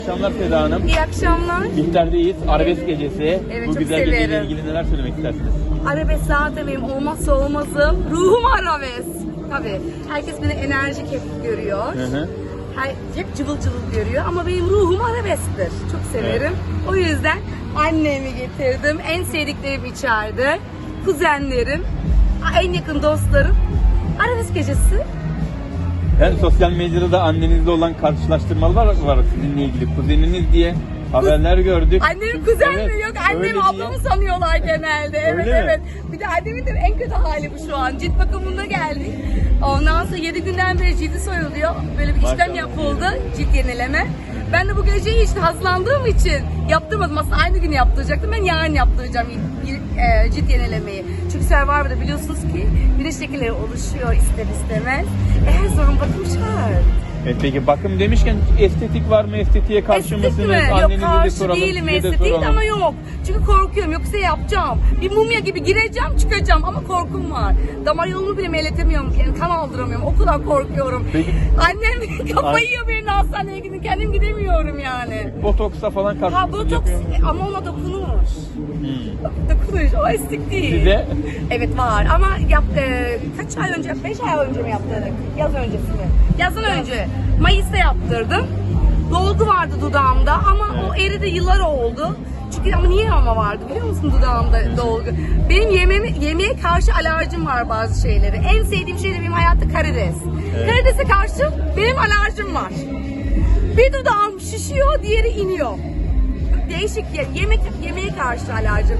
İyi akşamlar Seda Hanım. İyi akşamlar. Bihter'deyiz. Arabesk gecesi. Evet, Bu çok güzel geceyle severim. ilgili neler söylemek istersiniz? Arabesk zaten benim olmazsa olmazım. Ruhum arabesk. Tabii. Herkes beni enerjik hep görüyor. Hı. Hep cıvıl cıvıl görüyor ama benim ruhum arabesktir. Çok severim. O yüzden annemi getirdim. En sevdiklerim içeride. Kuzenlerim, en yakın dostlarım. Arabesk gecesi. Ben sosyal medyada da annenizle olan karşılaştırmalar var sizinle ilgili. Kuzeniniz diye haberler gördük. Annem kuzen mi? Evet, Yok, öyle annem ablamı sanıyorlar genelde. Evet, Öyle mi? evet. Bir de annemin de en kötü hali bu şu an. Cilt bakımında geldik. Ondan sonra 7 günden beri cildi soyuluyor. Böyle bir işlem Maşallah. yapıldı. Cilt yenileme. Ben de bu geceyi işte hazırlandığım için yaptırmadım. Aslında aynı gün yaptıracaktım. Ben yarın yaptıracağım cilt yenilemeyi. Çünkü Survivor'da biliyorsunuz ki güneş lekeleri oluşuyor ister istemez. Her sorun bakım şart. Evet, peki bakım demişken estetik var mı? Estetiğe karşı Estetik mısınız? mi? Yok, Annenize de karşı soralım. değilim size de estetik soralım. ama yok. Çünkü korkuyorum, yoksa yapacağım. Bir mumya gibi gireceğim, çıkacağım ama korkum var. Damar yolumu bile meyletemiyorum, yani kan aldıramıyorum. O kadar korkuyorum. Peki. Annem kafayı yiyor benim de hastaneye gidip kendim gidemiyorum yani. Botoksa falan karşı Ha mısınız? botoks Yapıyor musunuz? ama ona dokunur. Dokunuş, o estetik değil. Size? Evet var ama kaç ay önce, 5 ay önce mi yaptırdık? Yaz öncesi mi? Yazın önce. Mayıs'ta yaptırdım. Dolgu vardı dudağımda ama o eridi, yıllar oldu. Çünkü ama niye ama vardı biliyor musun dudağımda dolgu? Benim yemeğe karşı alerjim var bazı şeyleri. En sevdiğim şey de benim hayatta karides. Evet. Karidese karşı benim alerjim var. Bir dudağım şişiyor, diğeri iniyor. Değişik yemeğe karşı alerjim.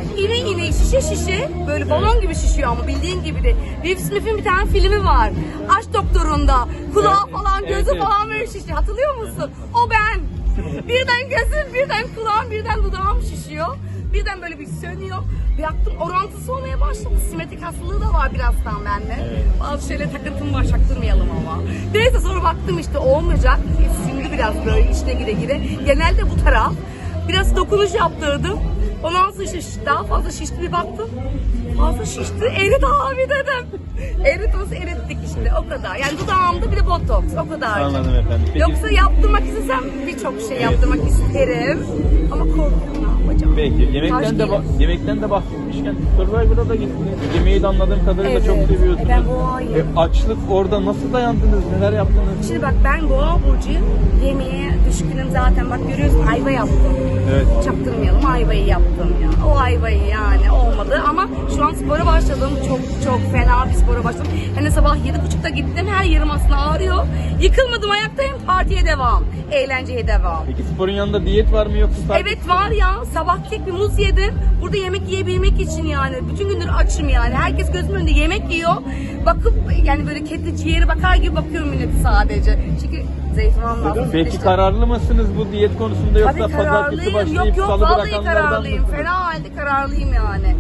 İne şişe böyle balon gibi şişiyor ama bildiğin gibi de. Will Smith'in bir tane filmi var. Aşk Doktoru'nda kulağı Evet, falan gözü evet. falan böyle şişiyor. Hatırlıyor musun? O ben. Birden gözüm, birden kulağım, birden dudağım şişiyor. Birden böyle bir sönüyor. Baktım orantısı olmaya başladı. Simetrik hastalığı da var birazdan bende. Evet. Bazı şeylere takıntım var, çaktırmayalım ama. Neyse sonra baktım işte olmayacak. Şimdi biraz böyle içine gire. Genelde bu taraf. Biraz dokunuş yaptırdım. Ondan sonra işte daha fazla şişti, bir baktım. Fazla şişti. Erit abi dedim. Eritmesi erittik işte, o kadar. Yani dudağımda bir de botoks, o kadar. Anladım efendim. Peki, Yoksa yaptırmak istesem birçok şey yaptırmak isterim. Ama korkuyorum, ne yapacağım? Peki Taş yemekten de bahsetmişken Survivor'a da gittiniz. Yemeği de anladığım kadarıyla Evet. çok seviyorsunuz. Ben boğayım. Açlık orada nasıl dayandınız? Neler yaptınız? Şimdi bak ben boğa burcuyum. Yemeğe düşkünüm zaten. Bak görüyorsun ayva yaptım. Evet. Çaktırmayalım, ayvayı yaptım ya. O ayvayı yani olmadı ama şu an spora başladım. Çok fena bir spora başladım. Hani sabah 7.30'da gittim. Her yerim aslında ağrıyor. Yıkılmadım, ayaktayım. Partiye devam. Eğlenceye devam. Peki sporun yanında diyet var mı yoksa sadece Evet var ya, sabah tek bir muz yedim. Burada yemek yiyebilmek için yani. Bütün gündür açım yani. Herkes gözümün önünde yemek yiyor. Bakıp yani böyle kedi ciğeri bakar gibi bakıyorum milleti sadece. Çünkü zeytin lazım. Peki işte. kararlı mısınız bu diyet konusunda yoksa Tabii pazartesi kararlıyım. başlayıp Yok salı vallahi bırakanlardan kararlıyım. mısınız? Fena halde kararlıyım yani.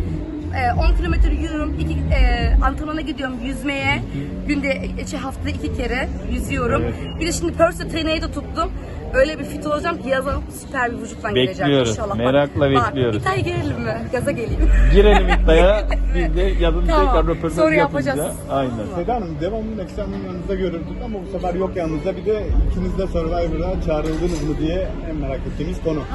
10 kilometre yürüyorum. Antrenmana gidiyorum yüzmeye. Günde haftada 2 kere yüzüyorum. Evet. Bir de şimdi personal trainer'ı da tuttum. Öyle bir fit olacağım ki yazın süper bir vücutla geleceğim Bekliyoruz. inşallah. Merakla bekliyoruz. İddiaya girelim mi? Gaza geleyim. Girelim iddiaya. Biz de yazın Tamam. tekrar röportaj Sonra yapacağız. yapacağız. Aynen. Seda Hanım, devamlı ekranın yanınızda görürdük ama bu sefer yok yanınızda. Bir de ikiniz de Survivor'a çağrıldınız mı diye en merak ettiğimiz konu.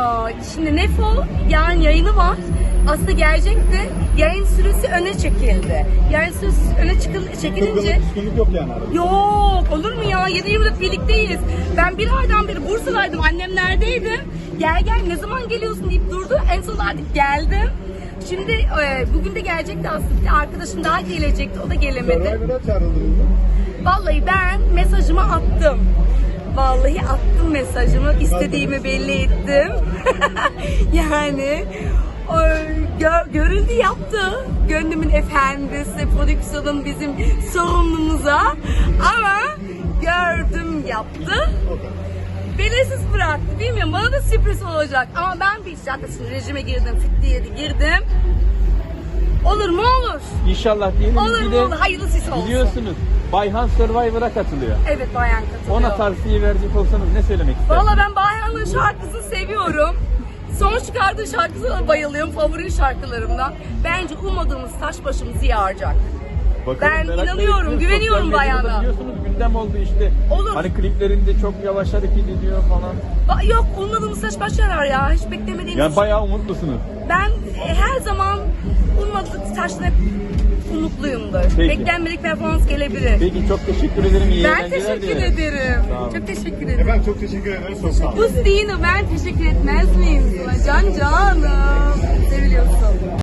Şimdi Nefo yani yayını var. Aslında gelecekti. Yayın süresi öne çekildi. Yayın süresi öne çekilince... Kırgınlık, küskünlük yok yani arada. Yok olur mu ya? 7-24 birlikteyiz. Ben bir aydan beri Bursa'daydım. Annemlerdeydim. Gel ne zaman geliyorsun deyip durdu. En son artık geldim. Şimdi bugün de gelecekti aslında. Bir arkadaşım daha gelecekti. O da gelemedi. Survivor'a çağrıldınız mı? Vallahi ben mesajımı attım. Vallahi attım mesajımı. İstediğimi belli ettim. Yani görüldü yaptı. Gönlümün efendisi, prodüksiyonun bizim sorumlumuza. Ama gördüm yaptı. Belirsiz bıraktı. Bilmiyorum, bana da sürpriz olacak. Ama ben bir zaten rejime girdim, fit diye girdim. Olur mu olur. İnşallah diyelim. Olur Bir mu de olur. Hayırlısı olsun. biliyorsunuz Bayhan Survivor'a katılıyor. Evet, bayan katılıyor. Ona tavsiye verecek olsanız ne söylemek istersiniz? Valla ben Bayhan'ın şarkısını seviyorum. Son çıkardığı şarkısına bayılıyorum. Favori şarkılarımdan. Bence ummadığımız taş başımızı yaracak. Bakalım, Ben merakla inanıyorum, bekliyoruz. güveniyorum Sosyal medyada bayana. Biliyorsunuz gündem oldu işte. Olur. Hani kliplerinde çok yavaş hareket ediyor falan. Yok, ummadığımız saç baş yarar ya. Hiç beklemediğimiz Yani bayağı umutlusunuz. Ben her zaman ummadık taştan hep umutluyumdur. Peki. Beklenmedik performans gelebilir. Peki çok teşekkür ederim. İyi Ben eğlenceler teşekkür dilerim. ederim. Sağ olun. Çok teşekkür ederim. Efendim çok teşekkür ederiz. Çok sağ olun. Bu Steen'ı ben teşekkür etmez miyim sana? Can canım. Seviliyorsun.